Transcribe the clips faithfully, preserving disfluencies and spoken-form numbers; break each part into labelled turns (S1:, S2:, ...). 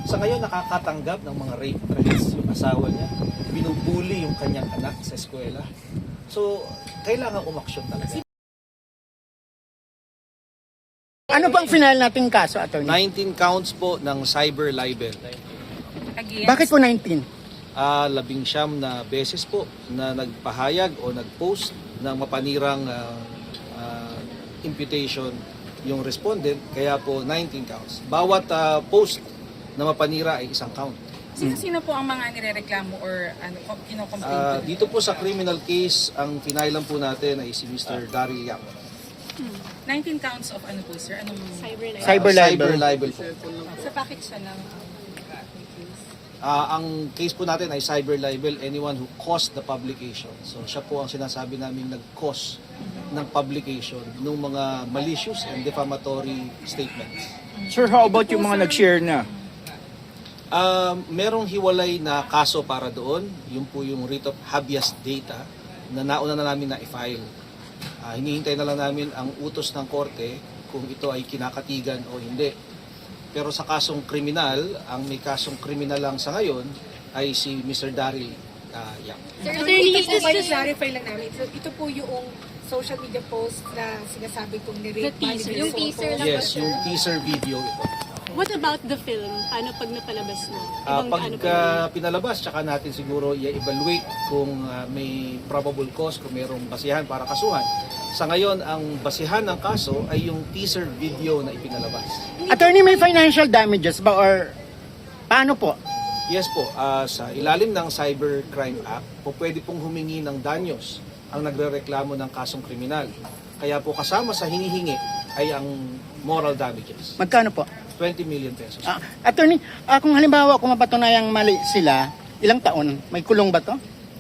S1: Sa ngayon, nakakatanggap ng mga rape threats yung asawa niya. Binubuli yung kanyang anak sa eskwela. So, kailangan umaksyon talaga.
S2: Ano bang final nating kaso, attorney?
S1: nineteen counts po ng cyber libel.
S3: Against,
S2: Bakit po nineteen?
S1: Ah, labing siyam na beses po na nagpahayag o nagpost ng mapanirang ah, ah, imputation yung respondent, kaya po nineteen counts. Bawat ah, post na mapanira ay isang count.
S3: Sino-sino po ang mga nirereklamo or ano, kinocomplain
S1: Ah,
S3: po?
S1: dito po sa criminal case, ang pinailan po natin ay si Mister Daryl Yap.
S3: nineteen counts of ano po, sir? Anong
S4: Cyber libel.
S2: Cyber
S1: Ah,
S2: libel.
S1: cyber libel po.
S3: Sa bakit siya lang?
S1: Ah, ang case po natin ay cyber libel, anyone who caused the publication. So siya po ang sinasabi namin nag-cause ng publication ng mga malicious and defamatory statements.
S5: Sir, how about yung mga nag-share na?
S1: Um, merong hiwalay na kaso para doon, yung po yung writ of habeas data na nauna na namin na i-file. Ah, hinihintay na lang namin ang utos ng korte kung ito ay kinakatigan o hindi. Pero sa kasong kriminal, ang may kasong kriminal lang sa ngayon ay si Mister Daryl uh, Yap.
S4: Sir,
S6: Attorney,
S4: ito
S6: ito
S4: po
S6: po
S4: ba
S6: may
S4: yung-
S6: clarify lang namin. So, ito po yung social media post na sinasabi kong
S4: The
S6: ni-rape
S4: teaser. Yung teaser lang
S1: Yes,
S4: ba, sir?
S1: yung teaser video ito.
S4: What about the film? Paano pag napalabas na?
S1: Ah,
S4: Ibang
S1: pag
S4: ano pa
S1: ah, pinalabas, tsaka natin siguro i-evaluate kung ah, may probable cause, kung mayroong basihan para kasuhan. Sa ngayon, ang basihan ng kaso ay yung teaser video na ipinalabas.
S2: Attorney, may financial damages ba or paano po?
S1: Yes po, ah, sa ilalim ng Cybercrime Act, po pwede pong humingi ng danyos ang nagrereklamo ng kasong kriminal. Kaya po kasama sa hinihingi ay ang moral damages,
S2: Magkano po?
S1: twenty million pesos.
S2: Ah, attorney, ah, kung halimbawa kung mapatunayang mali sila, ilang taon? May kulong ba to?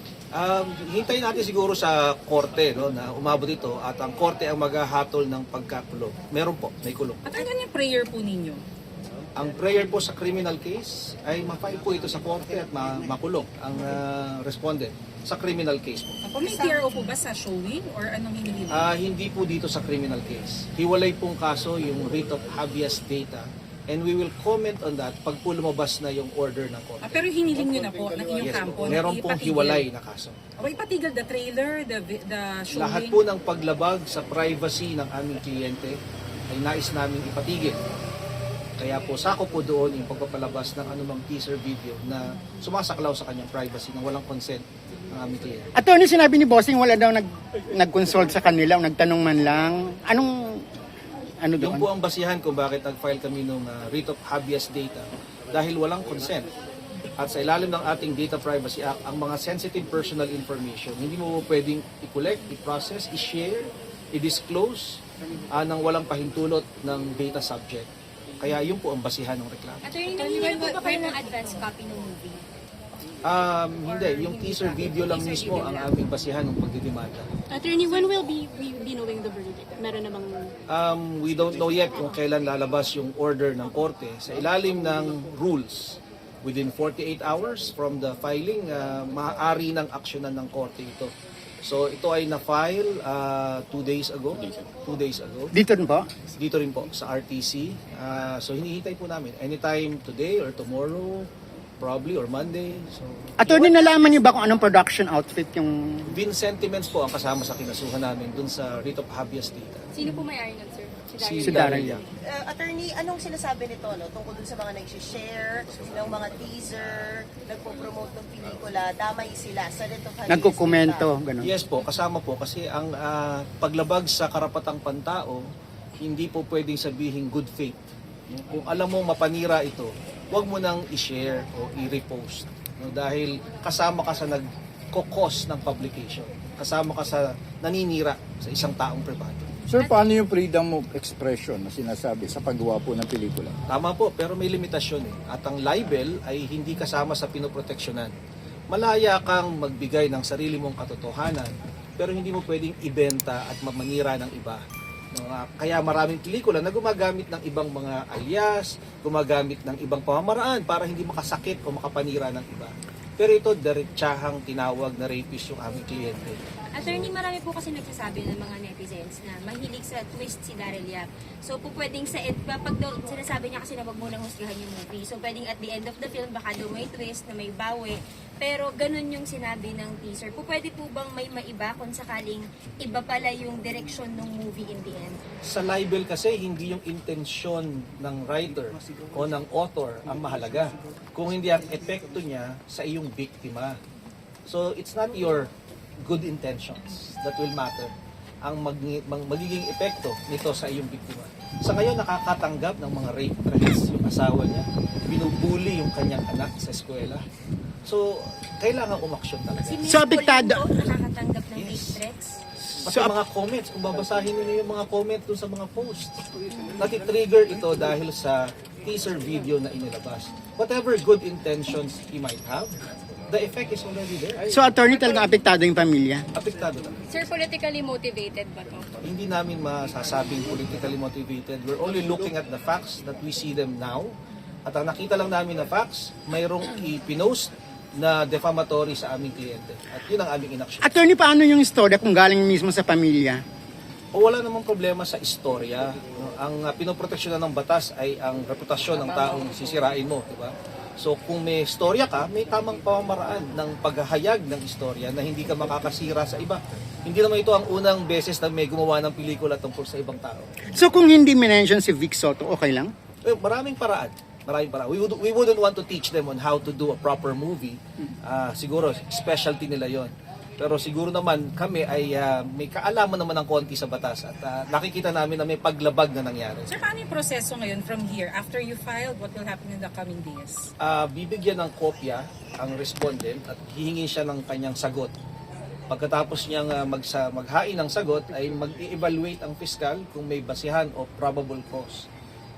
S1: Um, hintayin natin siguro sa korte no, na umabot ito at ang korte ang maghahatol ng pagkakulong. Meron po, may kulong.
S3: At ano yung prayer po ninyo?
S1: Ang prayer po sa criminal case ay ma-file po ito sa korte at ma- makulong ang ah, respondent sa criminal case po.
S3: Ako, may T R O po ba sa showing or anong hinihingi?
S1: Ah, hindi po dito sa criminal case. Hiwalay pong kaso yung writ of habeas data and we will comment on that pag po lumabas na yung order ng korte.
S3: Ah, pero hiniling nyo na po ng inyong
S1: Yes
S3: kampo.
S1: po,
S3: na
S1: meron pong
S3: ipatigil.
S1: hiwalay na kaso.
S3: O ipatigil the trailer, the, vi- the showing.
S1: Lahat po ng paglabag sa privacy ng aming kliyente ay nais namin ipatigil. Kaya po sako po doon yung pagpapalabas ng anumang teaser video na sumasaklaw sa kanyang privacy na walang consent ng aming kliyente.
S2: Attorney, sinabi ni Bossing wala daw nag nag-consult sa kanila o nagtanong man lang. Anong ano
S1: Yung
S2: doon?
S1: po ang basihan kung bakit nag-file kami ng uh, writ of habeas data dahil walang consent. At sa ilalim ng ating Data Privacy Act, ang mga sensitive personal information, hindi mo po pwedeng i-collect, i-process, i-share, i-disclose uh, ng walang pahintulot ng data subject. Kaya yun po ang basihan ng reklamo.
S4: Attorney, nangyayari po ba kayo ng advance copy ng movie?
S1: Um, hindi, yung teaser video lang mismo ang aming basihan ng pagdidemanda.
S4: Attorney, when will be we be knowing the verdict? Meron namang...
S1: Um, we don't know yet kung kailan lalabas yung order ng korte. Sa ilalim ng rules, within forty-eight hours from the filing, uh, maaari ng aksyonan ng korte ito. So ito ay na-file uh, two days ago. Two days ago.
S2: Dito rin po?
S1: Dito rin po sa R T C. Uh, so hinihintay po namin. Anytime today or tomorrow, probably, or Monday. So,
S2: Attorney, nalaman niyo ba kung anong production outfit yung...
S1: Vin sentiments po ang kasama sa kinasuhan namin dun sa writ of habeas data.
S4: Sino po may-ari nun, sir?
S1: Si
S2: Si
S1: Daryl
S2: Daryl.
S1: Yap.
S7: Uh, attorney, anong sinasabi nito no, tungkol dun sa mga nag-share, ng mga teaser, nagpo-promote ng pelikula, damay sila sa Dito
S2: Nagkukomento, ganun.
S1: Yes po, kasama po kasi ang ah, paglabag sa karapatang pantao, hindi po pwedeng sabihin good faith. Kung alam mo mapanira ito, huwag mo nang i-share o i-repost. No, dahil kasama ka sa nagkokos ng publication. Kasama ka sa naninira sa isang taong pribado.
S5: Sir, paano yung freedom of expression na sinasabi sa paggawa po ng pelikula?
S1: Tama po, pero may limitasyon eh. At ang libel ay hindi kasama sa pinoproteksyonan. Malaya kang magbigay ng sarili mong katotohanan, pero hindi mo pwedeng ibenta at mamanira ng iba. No, ah, kaya maraming pelikula na gumagamit ng ibang mga alias, gumagamit ng ibang pamamaraan para hindi makasakit o makapanira ng iba. Pero ito, diretsahang tinawag na rapist yung aming kliyente.
S8: Attorney, marami po kasi nagsasabi ng mga netizens na mahilig sa twist si Daryl Yap. So po pwedeng sa end, pag daw, sinasabi niya kasi na wag mo nang husgahan yung movie. So pwedeng at the end of the film, baka daw may twist na may bawi. Pero ganun yung sinabi ng teaser. Po pwede po bang may maiba kung sakaling iba pala yung direction ng movie in the end?
S1: Sa libel kasi, hindi yung intensyon ng writer o ng author ang mahalaga. Kung hindi ang epekto niya sa iyong biktima. So it's not your good intentions that will matter. Ang mag, mag, magiging epekto nito sa iyong biktima. Sa ngayon, nakakatanggap ng mga rape threats yung asawa niya. Binubuli yung kanyang anak sa eskwela. So, kailangan umaksyon talaga.
S8: Si Miss
S2: So, apektado-
S8: Pauline po, nakakatanggap ng
S1: Yes.
S8: rape threats?
S1: Pati
S2: So,
S1: mga comments, kung babasahin niyo yung mga comment dun sa mga posts. Nati-trigger ito dahil sa teaser video na inilabas. Whatever good intentions he might have, the effect is already there.
S2: So, attorney, talagang apektado yung pamilya?
S1: Apektado talaga.
S4: Sir, politically motivated ba to?
S1: Hindi namin masasabing politically motivated. We're only looking at the facts that we see them now. At ang nakita lang namin na facts, mayroong i-pinost na defamatory sa aming kliyente. At yun ang aming inaksyon.
S2: Attorney, paano yung istorya kung galing mismo sa pamilya?
S1: O wala namang problema sa istorya. No? Ang uh, pinoproteksyonan ng batas ay ang reputasyon ng taong sisirain mo, di ba? So kung may istorya ka, may tamang pamamaraan ng paghahayag ng istorya na hindi ka makakasira sa iba. Hindi naman ito ang unang beses na may gumawa ng pelikula tungkol sa ibang tao.
S2: So, kung hindi minention si Vic Soto, okay lang?
S1: Eh, maraming paraan. Maraming paraan. We, would, we wouldn't want to teach them on how to do a proper movie. Ah, siguro, specialty nila yon. Pero siguro naman kami ay ah, may kaalaman naman ng konti sa batas at ah, nakikita namin na may paglabag na nangyari.
S3: Sir, paano yung proseso ngayon from here? After you filed, what will happen in the coming days?
S1: Ah, bibigyan ng kopya ang respondent at hihingi siya ng kanyang sagot. Pagkatapos niyang ah, magsa, maghain ng sagot ay mag-evaluate ang fiscal kung may basihan o probable cause.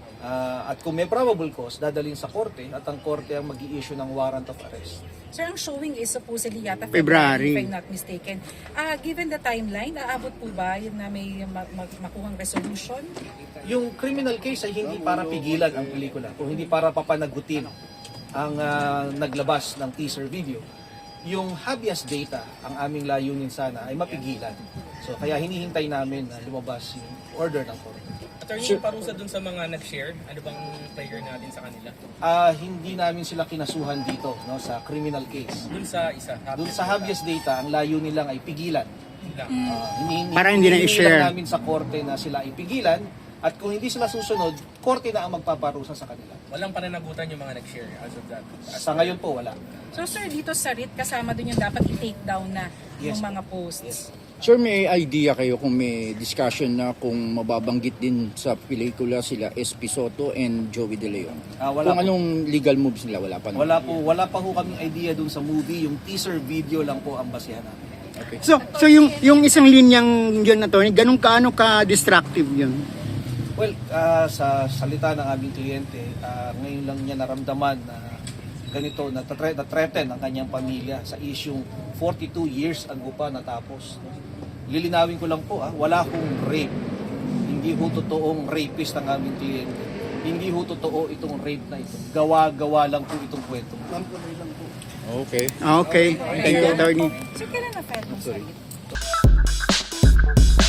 S1: Ah, at kung may probable cause, dadalhin sa korte at ang korte ang mag-i-issue ng warrant of arrest.
S3: Sir, ang showing is supposedly yata
S2: February.
S3: if I'm not mistaken. Ah, given the timeline, aabot po ba yun na may ma- ma- makuhang resolution?
S1: Yung criminal case ay hindi para pigilan ang pelikula, kung hindi para papanagutin ang ah, naglabas ng teaser video. Yung habeas data, ang aming layunin sana ay mapigilan. So kaya hinihintay namin na lumabas yung order ng korte.
S9: Attorney, yung parusa dun sa mga nag-share, ano bang prayer natin sa kanila?
S1: Ah, hindi namin sila kinasuhan dito no sa criminal case.
S9: Dun sa isa.
S1: Doon sa habeas data, ang layunin lang ay pigilan.
S9: lang.
S1: Ah, hinihingi-
S2: Para hindi na
S1: hinihingi
S2: i-share.
S1: lang namin sa korte na sila ipigilan at kung hindi sila susunod, korte na ang magpaparusa sa kanila.
S9: Walang pananagutan yung mga nag-share as of that. As
S1: Sa ngayon po, wala.
S3: So sir, dito sa R I T, kasama dun yung dapat i-take down na yung
S1: Yes.
S3: mga posts.
S1: Yes.
S5: Sir, may idea kayo kung may discussion na kung mababanggit din sa pelikula sila S P Soto and Joey De Leon?
S1: Ah, wala
S5: Kung
S1: po.
S5: anong legal moves nila, wala pa naman.
S1: Wala po, wala pa ho kaming idea dun sa movie, yung teaser video lang po ang basihan namin.
S5: Okay.
S2: So, so yung yung isang linyang yun, attorney, ganun kaano ka-destructive yun?
S1: Well, ah, sa salita ng aming kliyente, ah, ngayon lang niya naramdaman na ganito, na-threaten na threaten ang kanyang pamilya sa isyung forty-two years ago pa natapos. Lilinawin ko lang po, ah, wala hong rape. Hindi ho totoong rapist ang aming kliyente. Hindi ho totoo itong rape na ito. Gawa-gawa lang po itong kwento.
S5: Okay.
S2: Okay. Thank you, attorney.
S3: So kailan na-file mo sa R I T?